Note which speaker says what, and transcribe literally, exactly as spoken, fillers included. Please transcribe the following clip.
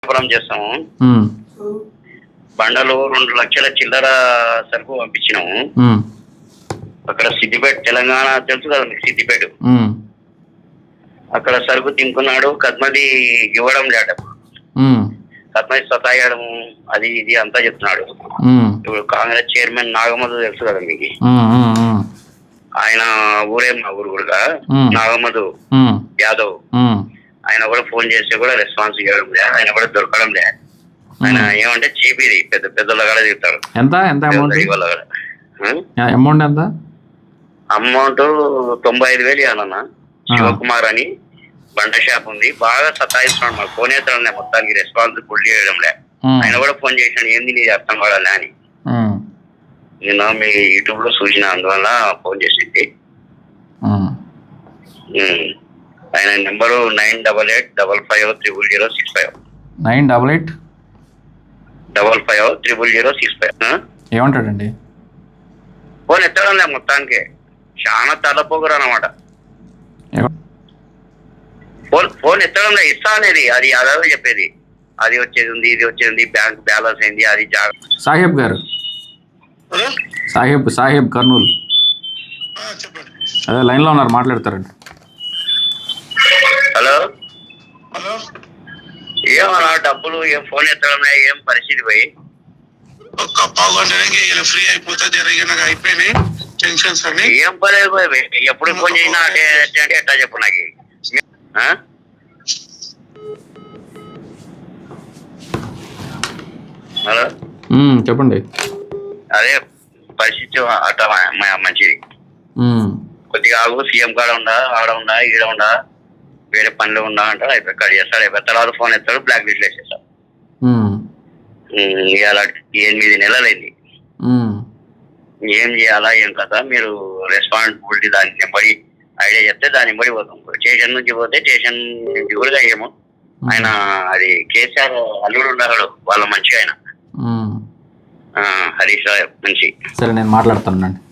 Speaker 1: వ్యాపారం చేస్తాము.
Speaker 2: ఉమ్,
Speaker 1: బండలు రెండు లక్షల చిల్లర సరుకు పంపించినాము.
Speaker 2: ఉమ్,
Speaker 1: అక్కడ సిద్దిపేట తెలంగాణ తెలుసు కదా మీకు, సిద్దిపేట
Speaker 2: ఉమ్,
Speaker 1: అక్కడ సరుకు తింకున్నాడు. కద్మది ఇవ్వడం లేట,
Speaker 2: ఉమ్,
Speaker 1: కద్మది సతాయడం అది ఇది అంతా చెప్తున్నాడు.
Speaker 2: ఉమ్,
Speaker 1: ఇప్పుడు కాంగ్రెస్ చైర్మన్ నాగమధు తెలుసు కదా మీకు,
Speaker 2: ఉమ్, ఉమ్, ఉమ్,
Speaker 1: ఆయన ఊరే మా ఊరు కూడా
Speaker 2: ఉమ్,
Speaker 1: నాగమధు
Speaker 2: ఉమ్,
Speaker 1: యాదవ్.
Speaker 2: ఉమ్,
Speaker 1: ఆయన కూడా ఫోన్ చేస్తే కూడా రెస్పాన్స్ ఇవ్వడం లే, ఆయన కూడా దొరకడం లే. ఆయన ఏమంటే చీపీది పెద్ద పెద్దల కూడా తింటారు.
Speaker 2: ఎంత ఎంత అమౌంట్
Speaker 1: వాళ్ళ
Speaker 2: అమౌంట్ ఎంత
Speaker 1: అమౌంట్ తొంభై ఐదు వేలు ఇవ్వాలన్న. శివకుమార్ అని బండ షాప్ ఉంది, బాగా సతాయిస్తున్నాడు. మాకు ఫోన్ చేస్తాడు, మొత్తానికి రెస్పాన్స్ ఫుల్ చేయడం లే. ఆయన కూడా ఫోన్ చేసినాడు, ఏంది నీది అర్థం కావాలని అని. నేను మీ యూట్యూబ్ లో చూసిన, అందువల్ల ఫోన్ చేసింది. ఆయన number nine double eight double five triple zero six five
Speaker 2: nine double eight
Speaker 1: double five triple zero six five.
Speaker 2: ఏమంటాడండి?
Speaker 1: ఫోన్ ఎత్తడం లే, మొత్తానికి చాలా తలపోగురు అనమాట. ఫోన్ ఫోన్ ఎత్తడం లే, ఇస్తా అనేది అది అదే చెప్పేది. అది వచ్చేది ఉంది, ఇది వచ్చేది ఉంది, బ్యాంక్ బ్యాలెన్స్ అయింది, అది
Speaker 2: సాహెబ్ గారు, సాహెబ్ సాహెబ్ కర్నూలు, అదే లైన్ లో ఉన్నారు, మాట్లాడతారండి.
Speaker 1: హలో
Speaker 3: హలో,
Speaker 1: ఏమన్నా డబ్బులు ఏం ఫోన్ ఎత్తడం లే, ఏం పరిస్థితి పోయి
Speaker 3: ఒక్క పావు గంట ఫ్రీ అయిపోతే జరిగిన అయిపోయినాయి టెన్షన్స్ అన్ని.
Speaker 1: ఏం పర్లేదు పోయి, ఎప్పుడు ఫోన్ చేసినా అంటే అంటే ఎట్లా చెప్పు నాకు. హలో
Speaker 2: చెప్పండి.
Speaker 1: అదే పరిస్థితి అట్లా మంచిది. కొద్దిగా ఆగు, సీఎం కాడ ఉండా, ఆడ ఉండా, ఈడ ఉండా, వేరే పనిలో ఉండా అంటారు. అయిపోయి కట్ చేస్తాడు, అయిపోయి తర్వాత ఫోన్ ఎత్తాడు, బ్లాక్ లిస్ట్ వేసేస్తాడు. ఇవాళ ఎనిమిది నెలలైంది. ఏం చేయాలా ఏం కదా, మీరు రెస్పాన్సిబిలిటీ దాని నెంబడి ఐడియా చెప్తే దాని నెంబడి పోతాం. స్టేషన్ నుంచి పోతే స్టేషన్ నుంచి కూడా అయ్యాము. ఆయన అది కేసీఆర్ అల్లుడు ఉన్నాడు, వాళ్ళ మంచి ఆయన హరీష్ రావు మంచి.
Speaker 2: సరే, నేను మాట్లాడతానండి.